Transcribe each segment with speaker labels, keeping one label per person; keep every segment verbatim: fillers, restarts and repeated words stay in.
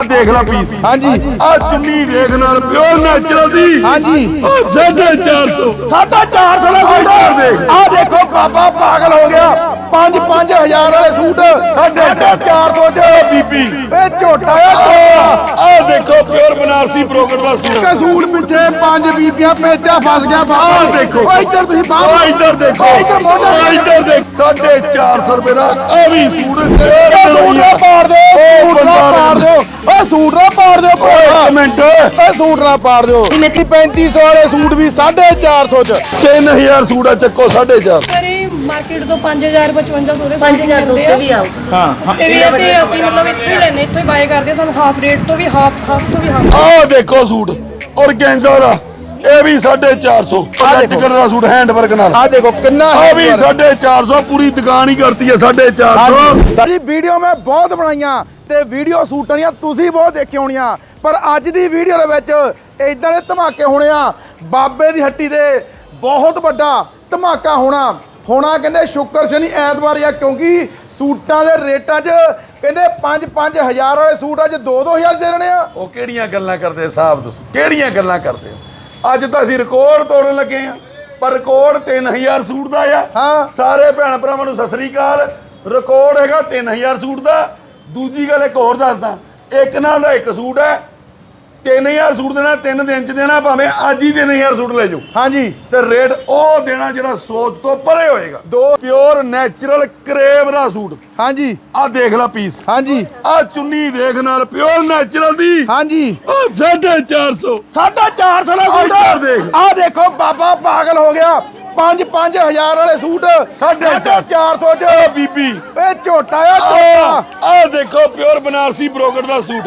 Speaker 1: देख ला पीस।
Speaker 2: हाँ जी
Speaker 1: आ चुन्नी देख नाल प्योर नेचुरल दी।
Speaker 2: हाँ जी
Speaker 1: साढ़े चार सौ
Speaker 2: साढ़े चार सौ सूट। आ देखो बाबा पागल हो गया। पांच पांच हजार वाले सूट साढ़े चार सौ च
Speaker 1: बीबी
Speaker 2: ए झोटा
Speaker 1: आ देखो प्योर बनारसी ब्रोकट दा सूट।
Speaker 2: सूट पिछे पांच बीबियां पेचा फस गया बाबा।
Speaker 1: आ देखो
Speaker 2: ओ इधर तुसी
Speaker 1: ओ
Speaker 2: बाबा
Speaker 1: इधर देखो
Speaker 2: इधर मोटा
Speaker 1: ओ इधर देख साढ़े चार सौ रुपए दा आ भी सूट।
Speaker 2: सूट ना पाड़ दो सूट ना पाड़ दो ओ सूट ना पाड़ दो
Speaker 1: एक मिनट
Speaker 2: ओ सूट ना पाड़ दो। पैंतीस सौ वाले सूट भी साढ़े चार सौ च
Speaker 1: तीन हजार सूट आ ਚੱਕੋ साढ़े चार
Speaker 3: ਮਾਰਕੀਟ ਤੋਂ ਪੰਜ ਹਜ਼ਾਰ ਪਚਵੰਜਾ ਸੌ ਦੇ
Speaker 4: ਪੰਜ ਹਜ਼ਾਰ ਤੋਂ ਉੱਤੇ ਵੀ ਆਓ।
Speaker 2: ਹਾਂ
Speaker 3: ਤੇ ਵੀ ਇਹ ਤੇ ਅਸੀਂ ਮਤਲਬ ਇੱਥੋਂ ਹੀ ਲੈਨੇ ਇੱਥੋਂ ਹੀ ਬਾਏ ਕਰਦੇ ਸਾਨੂੰ ਹਾਫ ਰੇਟ ਤੋਂ ਵੀ ਹਾਫ ਹਾਫ ਤੋਂ ਵੀ ਹਾਫ।
Speaker 1: ਆਹ ਦੇਖੋ ਸੂਟ ਔਰਗੈਂਜ਼ਾ ਦਾ ਇਹ ਵੀ ਸਾਢੇ ਚਾਰ ਸੌ ਪ੍ਰੈਕਟਿਕਲ ਦਾ ਸੂਟ ਹੈਂਡ ਵਰਕ ਨਾਲ।
Speaker 2: ਆ ਦੇਖੋ ਕਿੰਨਾ
Speaker 1: ਆ ਵੀ ਸਾਢੇ ਚਾਰ ਸੌ ਪੂਰੀ ਦੁਕਾਨ ਹੀ ਕਰਤੀ ਹੈ ਸਾਢੇ ਚਾਰ ਸੌ।
Speaker 2: ਜੀ ਵੀਡੀਓ ਮੈਂ ਬਹੁਤ ਬਣਾਈਆਂ ਤੇ ਵੀਡੀਓ ਸੂਟਾਂ ਦੀਆਂ ਤੁਸੀਂ ਬਹੁਤ ਦੇਖੀ ਹੋਣੀਆਂ ਪਰ ਅੱਜ ਦੀ ਵੀਡੀਓ ਦੇ ਵਿੱਚ ਇਦਾਂ ਦੇ ਧਮਾਕੇ ਹੋਣੇ ਆ। ਬਾਬੇ ਦੀ ਹੱਟੀ ਦੇ ਬਹੁਤ ਵੱਡਾ ਧਮਾਕਾ ਹੋਣਾ ਹੋਣਾ ਕਹਿੰਦੇ ਸ਼ੁੱਕਰ ਸ਼ਨੀ ਐਤਵਾਰ ਆ ਕਿਉਂਕਿ ਸੂਟਾਂ ਦੇ ਰੇਟਾਂ 'ਚ ਕਹਿੰਦੇ ਪੰਜ ਪੰਜ ਹਜ਼ਾਰ ਵਾਲੇ ਸੂਟ ਅੱਜ ਦੋ ਦੋ ਹਜ਼ਾਰ ਦੇ ਰਹੇ ਆ।
Speaker 1: ਉਹ ਕਿਹੜੀਆਂ ਗੱਲਾਂ ਕਰਦੇ ਸਾਹਿਬ ਤੁਸੀਂ ਕਿਹੜੀਆਂ ਗੱਲਾਂ ਕਰਦੇ ਹੋ। ਅੱਜ ਤਾਂ ਅਸੀਂ ਰਿਕਾਰਡ ਤੋੜਨ ਲੱਗੇ ਆ ਪਰ ਰਿਕਾਰਡ ਤਿੰਨ ਹਜ਼ਾਰ ਸੂਟ ਦਾ ਆ।
Speaker 2: ਹਾਂ
Speaker 1: ਸਾਰੇ ਭੈਣ ਭਰਾਵਾਂ ਨੂੰ ਸਤਿ ਸ੍ਰੀ ਅਕਾਲ। ਰਿਕਾਰਡ ਹੈਗਾ ਤਿੰਨ ਹਜ਼ਾਰ ਸੂਟ ਦਾ। ਦੂਜੀ ਗੱਲ ਇੱਕ ਹੋਰ ਦੱਸਦਾ ਇੱਕ ਨਾਲ ਦਾ ਇੱਕ ਸੂਟ ਹੈ ਤਿੰਨ ਹਜ਼ਾਰ ਸੂਟ ਦੇਣਾ ਤਿੰਨ ਦਿਨ ਚ ਦੇਣਾ ਭਾਵੇਂ ਅੱਜ ਹੀ ਤਿੰਨ ਹਜ਼ਾਰ ਸੂਟ ਲੈ ਜਾਓ।
Speaker 2: ਹਾਂਜੀ
Speaker 1: ਤੇ ਰੇਟ ਉਹ ਦੇਣਾ ਜਿਹੜਾ ਸੋਚ ਤੋਂ ਪਰੇ ਹੋਏਗਾ।
Speaker 2: ਦੋ
Speaker 1: ਪਿਓਰ ਨੈਚੁਰਲ ਕਰੇਵ ਦਾ ਸੂਟ।
Speaker 2: ਹਾਂਜੀ
Speaker 1: ਆ ਦੇਖ ਲੈ ਪੀਸ।
Speaker 2: ਹਾਂਜੀ
Speaker 1: ਆ ਚੁੰਨੀ ਦੇਖ ਨਾਲ ਪਿਓਰ ਨੈਚੁਰਲ ਦੀ।
Speaker 2: ਹਾਂਜੀ
Speaker 1: ਆ ਸਾਢੇ ਚਾਰ ਸੌ
Speaker 2: ਸਾਢੇ ਚਾਰ ਸੌ ਦਾ
Speaker 1: ਇੱਧਰ ਦੇਖ।
Speaker 2: ਸੂਟ ਆ ਦੇਖੋ ਬਾਬਾ ਪਾਗਲ ਹੋ ਗਿਆ। ਪੰਜ ਪੰਜ ਹਜ਼ਾਰ ਵਾਲੇ ਸੂਟ
Speaker 1: ਸਾਢੇ
Speaker 2: ਚਾਰ ਸੌ ਚ
Speaker 1: ਓ ਬੀਬੀ
Speaker 2: ਇਹ ਝੋਟਾ ਆ ਝੋਟਾ।
Speaker 1: ਆ ਦੇਖੋ ਪਿਓਰ ਬਨਾਰਸੀ ਬ੍ਰੋਕਟ ਦਾ ਸੂਟ।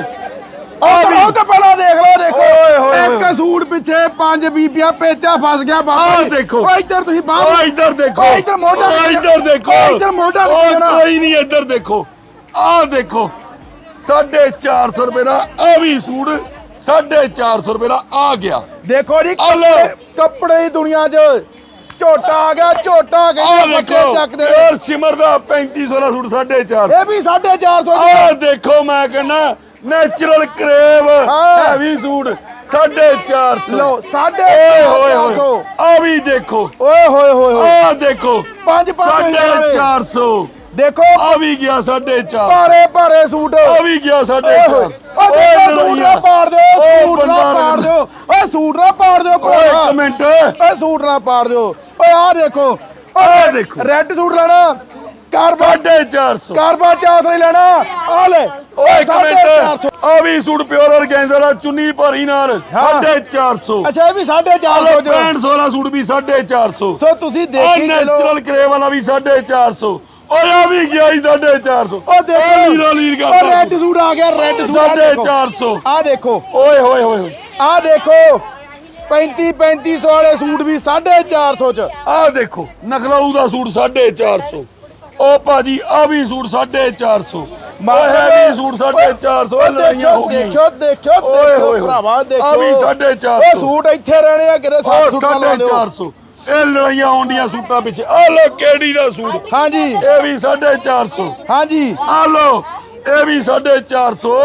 Speaker 2: ਉਹ ਤਾਂ ਪਹਿਲਾਂ ਦੇਖ ਲਓ ਦੇਖੋ
Speaker 1: ਓਏ ਹੋਏ
Speaker 2: ਇੱਕ ਸੂਟ ਪਿੱਛੇ ਪੰਜ ਬੀਬੀਆਂ ਪੇਚਾ ਫਸ ਗਿਆ ਬਾਬਾ।
Speaker 1: ਆਹ ਦੇਖੋ
Speaker 2: ਓ ਇੱਧਰ ਤੁਸੀਂ ਬਾਹਰ
Speaker 1: ਓ ਇੱਧਰ ਦੇਖੋ
Speaker 2: ਓ ਇੱਧਰ ਮੋਢਾ
Speaker 1: ਓ ਇੱਧਰ ਦੇਖੋ
Speaker 2: ਓ ਇੱਧਰ ਮੋਢਾ
Speaker 1: ਓ
Speaker 2: ਲੱਗਣਾ।
Speaker 1: ਕੋਈ ਨਹੀਂ ਇੱਧਰ ਦੇਖੋ ਆਹ ਦੇਖੋ ਸਾਢੇ ਚਾਰ ਸੌ ਰੁਪਏ ਦਾ ਆ ਵੀ ਸੂਟ ਸਾਢੇ ਚਾਰ ਸੌ ਰੁਪਏ ਦਾ ਆ ਗਿਆ।
Speaker 2: ਦੇਖੋ ਜੀ
Speaker 1: ਆਹ ਲਓ।
Speaker 2: ਕੱਪੜੇ- ਕੱਪੜੇ ਦੀ ਦੁਨੀਆ 'ਚ ਝੋਟਾ ਆ ਗਿਆ ਝੋਟਾ
Speaker 1: ਆ
Speaker 2: ਕਹਿੰਦੇ ਬੱਚੇ
Speaker 1: ਦੇਖੋ
Speaker 2: ਚੱਕ ਦੇ।
Speaker 1: ਪਿਓਰ ਸਿਮਰ ਦਾ ਪੈਂਤੀ ਸੌ ਦਾ ਸੂਟ ਸਾਢੇ ਚਾਰ ਸੌ।
Speaker 2: ਇਹ ਵੀ ਸਾਢੇ ਚਾਰ ਸੌ
Speaker 1: ਆ ਦੇਖੋ ਮੈਂ ਕਹਿੰਦਾ ਨੈਚੁਰਲ ਕਰੇਵ
Speaker 2: ਹਾਂ।
Speaker 1: ਹੈਵੀ ਸੂਟ ਸਾਢੇ ਚਾਰ ਸੌ।
Speaker 2: ਲਓ ਸਾਢੇ
Speaker 1: ਓਏ ਹੋਏ
Speaker 2: ਚਾਰ ਸੌ।
Speaker 1: ਹੋਏ ਆ ਵੀ ਦੇਖੋ
Speaker 2: ਓਏ ਹੋਏ ਹੋਏ ਹੋਏ
Speaker 1: ਆ ਦੇਖੋ
Speaker 2: ਪੰਜ ਪੰਜ
Speaker 1: ਸਾਢੇ
Speaker 2: ਹਜ਼ਾਰ।
Speaker 1: ਚਾਰ ਸੌ।
Speaker 2: ਦੇਖੋ
Speaker 1: ਆ ਵੀ ਗਿਆ ਸਾਢੇ ਚਾਰ।
Speaker 2: ਭਾਰੇ ਭਾਰੇ ਸੂਟ
Speaker 1: ਆ ਵੀ ਗਿਆ ਸਾਢੇ
Speaker 2: ਓਏ
Speaker 1: ਚਾਰ।
Speaker 2: ਹੋਏ ਓ ਦੇਖੋ ਸੂਟ ਨਾ ਪਾੜ ਦਿਓ
Speaker 1: ਓਏ
Speaker 2: ਸੂਟ ਨਾ
Speaker 1: ਬੰਦਾ
Speaker 2: ਪਾੜ ਦਿਓ ਓਏ ਸੂਟ ਨਾ ਪਾੜ ਦਿਓ
Speaker 1: ਓਏ ਇੱਕ ਮਿੰਟ
Speaker 2: ਓਏ ਸੂਟ ਨਾ ਪਾੜ ਦਿਓ ਓਏ ਆ ਦੇਖੋ
Speaker 1: ਆ ਦੇਖੋ
Speaker 2: ਰੈੱਡ ਸੂਟ ਲੈਣਾ ਕਾਰਬਾ
Speaker 1: ਸਾਢੇ ਚਾਰ ਸੌ।
Speaker 2: ਕਾਰਬਾ ਚਾਸ ਨਹੀਂ ਲੈਣਾ ਆ ਲੈ
Speaker 1: ਓਏ ਇੱਕ
Speaker 2: ਸਾਢੇ
Speaker 1: ਮਿੰਟ
Speaker 2: ਚਾਰ ਸੌ।
Speaker 1: ਆ ਵੀ ਸੂਟ ਪਿਓਰ ਔਰਗੈਂਜ਼ਾ ਦਾ ਚੁੰਨੀ ਭਰੀ ਨਾਲ ਸਾਢੇ ਚਾਰ ਸੌ।
Speaker 2: ਅੱਛਾ ਇਹ ਵੀ ਸਾਢੇ ਚਾਰ ਸੌ ਚ
Speaker 1: ਪੈਂਹਠ ਸੌ ਦਾ ਸੂਟ ਵੀ ਸਾਢੇ ਚਾਰ ਸੌ।
Speaker 2: ਸੋ ਤੁਸੀਂ
Speaker 1: ਆ
Speaker 2: ਦੇਖੀ ਚਲੋ
Speaker 1: ਨੈਚੁਰਲ ਕਰੇਵ ਵਾਲਾ ਵੀ ਸਾਢੇ ਚਾਰ ਸੌ। ਓਏ ਆ ਵੀ ਗਿਆ ਹੀ ਸਾਢੇ ਚਾਰ ਸੌ।
Speaker 2: ਉਹ ਦੇਖੋ
Speaker 1: ਲੀਰਾ ਲੀਰ
Speaker 2: ਉਹ
Speaker 1: ਕਰਦਾ
Speaker 2: ਰੈੱਡ ਸੂਟ ਆ ਗਿਆ ਰੈੱਡ ਸੂਟ
Speaker 1: ਸਾਢੇ ਚਾਰ ਸੌ।
Speaker 2: ਆ ਦੇਖੋ
Speaker 1: ਓਏ ਹੋਏ ਹੋਏ ਹੋਏ
Speaker 2: ਆ ਦੇਖੋ ਪੈਂਤੀ ਪੈਂਤੀ ਸੌ ਵਾਲੇ ਸੂਟ ਵੀ ਸਾਢੇ ਚਾਰ ਸੌ ਚ
Speaker 1: ਆ ਦੇਖੋ ਨਖਲਾਊ ਦਾ ਸੂਟ ਸਾਢੇ ਚਾਰ ਸੌ। ਓ ਭਾਜੀ ਆ ਵੀ ਸੂਟ ਸਾਢੇ ਚਾਰ ਸੌ। ਓਏ ਹੈਵੀ ਸੂਟ ਸਾਢੇ ਚਾਰ ਸੌ। ਲੜਾਈਆਂ ਹੋ ਗਈਆਂ।
Speaker 2: ਦੇਖਿਓ ਦੇਖਿਓ
Speaker 1: ਓਏ
Speaker 2: ਦੇਖੋ
Speaker 1: ਹੋਏ
Speaker 2: ਭਰਾਵਾ ਦੇਖੋ
Speaker 1: ਆ ਵੀ ਸਾਢੇ ਚਾਰ
Speaker 2: ਉਹ
Speaker 1: ਸੌ।
Speaker 2: ਸੂਟ ਇੱਥੇ ਰਹਿਣੇ ਆ ਕਿਤੇ ਸੱਤ
Speaker 1: ਓ
Speaker 2: ਸੂਟ ਲਾ
Speaker 1: ਸਾਢੇ
Speaker 2: ਦਿਓ
Speaker 1: ਚਾਰ ਸੌ। ਇਹ ਲੜਾਈਆਂ ਆਉਂਦੀਆਂ ਸੂਟਾਂ ਪਿੱਛੇ। ਆ ਲੋ ਕਿਹੜੀ ਦਾ ਸੂਟ
Speaker 2: ਹਾਂਜੀ
Speaker 1: ਇਹ ਵੀ ਸਾਢੇ ਚਾਰ ਸੌ।
Speaker 2: ਹਾਂਜੀ
Speaker 1: ਆ ਲੋ ਇਹ ਵੀ ਸਾਢੇ ਚਾਰ ਸੌ।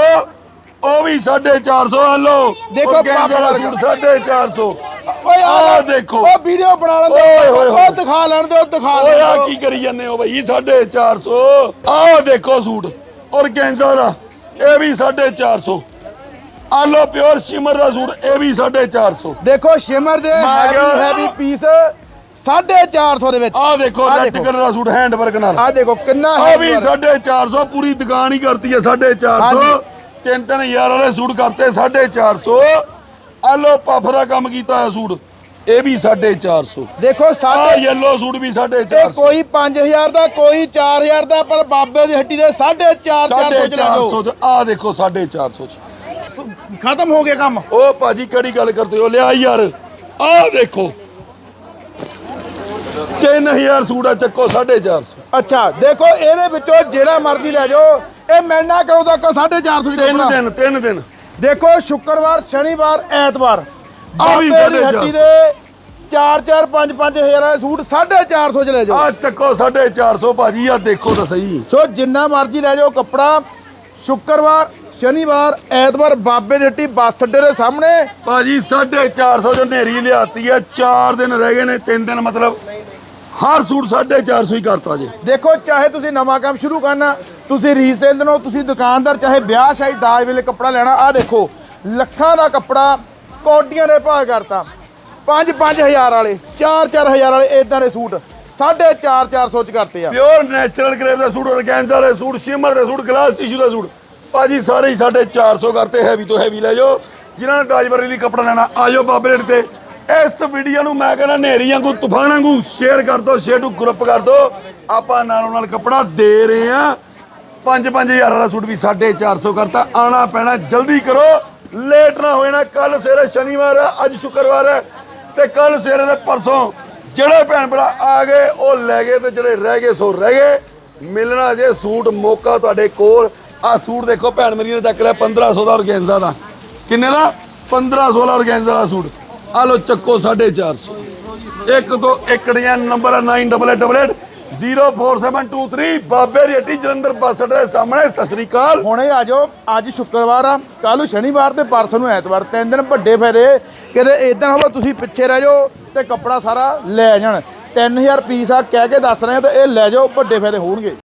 Speaker 1: ਉਹ ਵੀ ਸਾਢੇ ਚਾਰ ਸੌ। ਆ ਲੋ
Speaker 2: ਦੇਖੋ
Speaker 1: ਔਰਗੈਂਜ਼ਾ ਦਾ ਸੂਟ ਸਾਢੇ ਚਾਰ ਸੌ।
Speaker 2: ਓਏ
Speaker 1: ਆਹ ਦੇਖੋ।
Speaker 2: ਉਹ ਵੀਡੀਓ ਬਣਾ ਲੈਣ
Speaker 1: ਓਏ ਹੋਏ
Speaker 2: ਦਿਓ
Speaker 1: ਹੋਏ।
Speaker 2: ਉਹ ਦਿਖਾ ਲੈਣ ਦਿਓ ਦਿਖਾ
Speaker 1: ਓਏ
Speaker 2: ਲੈਣ
Speaker 1: ਆ
Speaker 2: ਦਿਓ
Speaker 1: ਕੀ ਕਰੀ ਜਾਂਦੇ ਹੋ ਬਈ ਸਾਢੇ ਚਾਰ ਸੌ। ਆਹ ਦੇਖੋ ਸੂਟ ਔਰਗੈਂਜ਼ਾ ਦਾ ਇਹ ਵੀ ਸਾਢੇ ਚਾਰ ਸੌ। ਆ ਲੋ ਪਿਓਰ ਸ਼ਿਮਰ ਦਾ ਸੂਟ ਇਹ ਵੀ ਸਾਢੇ ਚਾਰ ਸੌ।
Speaker 2: ਦੇਖੋ ਸ਼ਿਮਰ ਦੇ
Speaker 1: ਮੈਂ
Speaker 2: ਹੈਵੀ
Speaker 1: ਕਿਹਾ-
Speaker 2: ਹੈਵੀ ਪੀਸ ਸਾਢੇ ਚਾਰ ਸੌ ਦੇ ਵਿੱਚ
Speaker 1: ਆਹ ਦੇਖੋ
Speaker 2: ਆਹ
Speaker 1: ਰੈੱਡ
Speaker 2: ਦੇਖੋ।
Speaker 1: ਕਲਰ ਦਾ ਸੂਟ ਹੈਂਡ ਵਰਕ ਨਾਲ।
Speaker 2: ਆ ਦੇਖੋ ਕਿੰਨਾ
Speaker 1: ਆ
Speaker 2: heavy
Speaker 1: ਵੀ
Speaker 2: work।
Speaker 1: ਸਾਢੇ ਚਾਰ ਸੌ ਪੂਰੀ ਦੁਕਾਨ ਹੀ ਕਰਤੀ ਹੈ ਸਾਢੇ ਚਾਰ ਸੌ।
Speaker 2: ਹਾਂਜੀ।
Speaker 1: ਤਿੰਨ ਤਿੰਨ ਹਜ਼ਾਰ ਵਾਲੇ ਸੂਟ ਕਰਤੇ ਸਾਢੇ ਚਾਰ ਸੌ। ਆ ਲੋ ਪਫ ਦਾ ਕੰਮ ਕੀਤਾ ਹੋਇਆ ਸੂਟ ਇਹ ਵੀ ਸਾਢੇ ਚਾਰ ਸੌ।
Speaker 2: ਦੇਖੋ
Speaker 1: ਆ
Speaker 2: ਸਾਢੇ
Speaker 1: ਯੈਲੋ ਸੂਟ ਵੀ ਸਾਢੇ
Speaker 2: ਇਹ
Speaker 1: ਚਾਰ ਸੌ।
Speaker 2: ਕੋਈ ਪੰਜ ਹਜ਼ਾਰ ਦਾ ਕੋਈ ਚਾਰ ਹਜ਼ਾਰ ਦਾ ਪਰ ਬਾਬੇ ਦੀ ਹੱਟੀ ਦੇ ਸਾਢੇ ਚਾਰ ਚਾਰ
Speaker 1: ਸਾਢੇ
Speaker 2: ਸੌ ਚ ਲੈ
Speaker 1: ਚਾਰ
Speaker 2: ਜਾਓ
Speaker 1: ਸੌ। ਆ ਦੇਖੋ ਸਾਢੇ ਚਾਰ ਸੌ ਚ।
Speaker 2: ਖਤਮ ਹੋ ਗਿਆ ਕੰਮ
Speaker 1: ਓ ਭਾਜੀ ਕਿਹੜੀ ਗੱਲ ਕਰਦੇ ਹੋ ਲਿਆ ਯਾਰ ਆ ਦੇਖੋ ਤਿੰਨ ਹਜ਼ਾਰ ਸੂਟ ਆ ਚੱਕੋ ਸਾਢੇ ਚਾਰ ਸੌ।
Speaker 2: ਅੱਛਾ ਦੇਖੋ ਇਹਦੇ ਵਿੱਚੋਂ ਜਿਹੜਾ ਮਰਜ਼ੀ ਲੈ ਜਾਓ ਇਹ ਮਿਲਣਾ ਕਰੋ ਤੱਕ ਸਾਢੇ ਚਾਰ ਸੌ
Speaker 1: ਤਿੰਨ ਦਿਨ ਤਿੰਨ ਦਿਨ
Speaker 2: ਦੇਖੋ ਸ਼ੁੱਕਰਵਾਰ ਸ਼ਨੀਵਾਰ ਐਤਵਾਰ
Speaker 1: ਆ ਵੀ
Speaker 2: ਬਾਬੇ ਦੀ
Speaker 1: ਸਾਢੇ ਚਾਰ
Speaker 2: ਹੱਟੀ
Speaker 1: ਸੌ।
Speaker 2: ਦੇ ਚਾਰ ਚਾਰ ਪੰਜ ਪੰਜ ਹਜ਼ਾਰ ਵਾਲੇ ਸੂਟ ਸਾਢੇ ਚਾਰ ਸੌ ਚ ਲੈ ਜਾਓ
Speaker 1: ਆ ਚੱਕੋ ਸਾਢੇ ਚਾਰ ਸੌ ਭਾਜੀ ਆ ਦੇਖੋ ਤਾਂ ਸਹੀ।
Speaker 2: ਸੋ ਜਿੰਨਾ ਮਰਜ਼ੀ ਲੈ ਜਾਓ ਕੱਪੜਾ ਸ਼ੁੱਕਰਵਾਰ ਸ਼ਨੀਵਾਰ ਐਤਵਾਰ ਬਾਬੇ ਦੀ ਹੱਟੀ ਬੱਸ ਅੱਡੇ ਦੇ ਸਾਹਮਣੇ।
Speaker 1: ਭਾਜੀ ਸਾਢੇ ਚਾਰ ਸੌ ਜੋ ਨੇਰੀ ਲਿਆਤੀ ਆ, ਚਾਰ ਦਿਨ ਰਹਿ ਗਏ ਨੇ, ਤਿੰਨ ਦਿਨ ਮਤਲਬ ਹਰ ਸੂਟ ਸਾਢੇ ਚਾਰ ਸੌ ਹੀ ਕਰਤਾ ਜੀ।
Speaker 2: ਦੇਖੋ ਚਾਹੇ ਤੁਸੀਂ ਨਵਾਂ ਕੰਮ ਸ਼ੁਰੂ ਕਰਨਾ, ਤੁਸੀਂ ਰੀਸੇਲ ਦੇਣਾ, ਤੁਸੀਂ ਦੁਕਾਨਦਾਰ, ਚਾਹੇ ਵਿਆਹ ਸ਼ਾਦੀ ਦਾਜ ਵੇਲੇ ਕੱਪੜਾ ਲੈਣਾ, ਆਹ ਦੇਖੋ ਲੱਖਾਂ ਦਾ ਕੱਪੜਾ ਕੌਡੀਆਂ ਦੇ ਭਾਅ ਕਰਤਾ। ਪੰਜ ਪੰਜ ਹਜ਼ਾਰ ਵਾਲੇ, ਚਾਰ ਚਾਰ ਹਜ਼ਾਰ ਵਾਲੇ ਇਦਾਂ ਦੇ ਸੂਟ ਸਾਢੇ ਚਾਰ ਚਾਰ ਸੌ ਚ ਕਰਤੇ ਆ।
Speaker 1: ਪਿਓਰ ਨੈਚੁਰਲ ਗ੍ਰੇਡ ਦਾ ਸੂਟ, ਔਰਗੈਂਜ਼ਾ ਦੇ ਸੂਟ, ਸ਼ਿਮਰ ਦੇ ਸੂਟ, ਗਲਾਸ ਟਿਸ਼ੂ ਦਾ ਸੂਟ ਭਾਜੀ ਸਾਰੇ ਹੀ ਸਾਢੇ ਚਾਰ ਸੌ ਕਰਤੇ। ਹੈਵੀ ਤੋਂ ਹੈਵੀ ਲੈ ਜਾਓ, ਜਿਨ੍ਹਾਂ ਨੇ ਦਾਜ ਵਰੀ ਲਈ ਕੱਪੜਾ ਲੈਣਾ ਆ ਜਾਓ ਬਾਬੇ ਰੇਟ ਤੇ। ਇਸ ਵੀਡੀਓ ਨੂੰ ਮੈਂ ਕਹਿੰਦਾ ਨੇਰੀ ਵਾਂਗੂ ਤੂਫਾਨ ਵਾਂਗੂ ਸ਼ੇਅਰ ਕਰ ਦਿਓ, ਸ਼ੇਅਰ ਨੂੰ ਗਰੁੱਪ ਕਰ ਦਿਓ। ਆਪਾਂ ਨਾਲੋਂ ਨਾਲ ਕੱਪੜਾ ਦੇ ਰਹੇ ਆ। ਪੰਜ ਪੰਜ ਹਜ਼ਾਰ ਵਾਲਾ ਸੂਟ ਵੀ ਸਾਢੇ ਚਾਰ ਸੌ ਕਰਤਾ। ਆਣਾ ਪੈਣਾ, ਜਲਦੀ ਕਰੋ, ਲੇਟ ਨਾ ਹੋਏ ਨਾ। ਕੱਲ ਸਵੇਰੇ ਸ਼ਨੀਵਾਰ ਆ, ਅੱਜ ਸ਼ੁੱਕਰਵਾਰ ਹੈ ਤੇ ਕੱਲ ਸਵੇਰੇ ਦੇ ਪਰਸੋਂ ਜਿਹੜੇ ਭੈਣ ਭਰਾ ਆ ਗਏ ਉਹ ਲੈ ਗਏ ਤੇ ਜਿਹੜੇ ਰਹਿ ਗਏ ਸੋ ਰਹਿ ਗਏ। ਮਿਲਣਾ ਜੇ ਸੂਟ ਮੌਕਾ ਤੁਹਾਡੇ ਕੋਲ। ਆ ਸੂਟ ਦੇਖੋ ਭੈਣ ਮੇਰੀ ਨੇ ਚੱਕ ਲਿਆ ਪੰਦਰਾਂ ਸੌ ਦਾ ਔਰਗੈਂਜ਼ਾ ਦਾ। ਕਿੰਨੇ ਦਾ? ਪੰਦਰਾਂ ਸੌ ਦਾ ਔਰਗੈਂਜ਼ਾ ਦਾ ਸੂਟ। ਆ ਲੋ ਚੱਕੋ ਸਾਢੇ ਚਾਰ ਸੌ। ਇੱਕ ਤੋਂ ਇੱਕ ਡਿਜ਼ਾਈਨ ਨੰਬਰ ਹੈ nine double eight double eight zero four seven two three ਬਾਬੇ ਦੀ ਹੱਟੀ ਜਲੰਧਰ ਬੱਸ ਅੱਡੇ ਦੇ ਸਾਹਮਣੇ। ਸਤਿ ਸ੍ਰੀ ਅਕਾਲ।
Speaker 2: ਹੁਣੇ ਆ ਜਾਓ, ਅੱਜ ਸ਼ੁੱਕਰਵਾਰ ਆ, ਕੱਲ੍ਹ ਨੂੰ ਸ਼ਨੀਵਾਰ ਤੇ ਪਰਸੋਂ ਨੂੰ ਐਤਵਾਰ, ਤਿੰਨ ਦਿਨ ਵੱਡੇ ਫਾਇਦੇ। ਕਿਤੇ ਇਦਾਂ ਹੋਵੇ ਤੁਸੀਂ ਪਿੱਛੇ ਰਹਿ ਜਾਓ ਤੇ ਕੱਪੜਾ ਸਾਰਾ ਲੈ ਜਾਣ। ਤਿੰਨ ਹਜ਼ਾਰ ਪੀਸ ਆ ਕਹਿ ਕੇ ਦੱਸ ਰਹੇ ਆ ਤੇ ਇਹ ਲੈ ਜਾਓ, ਵੱਡੇ ਫਾਇਦੇ ਹੋਣਗੇ।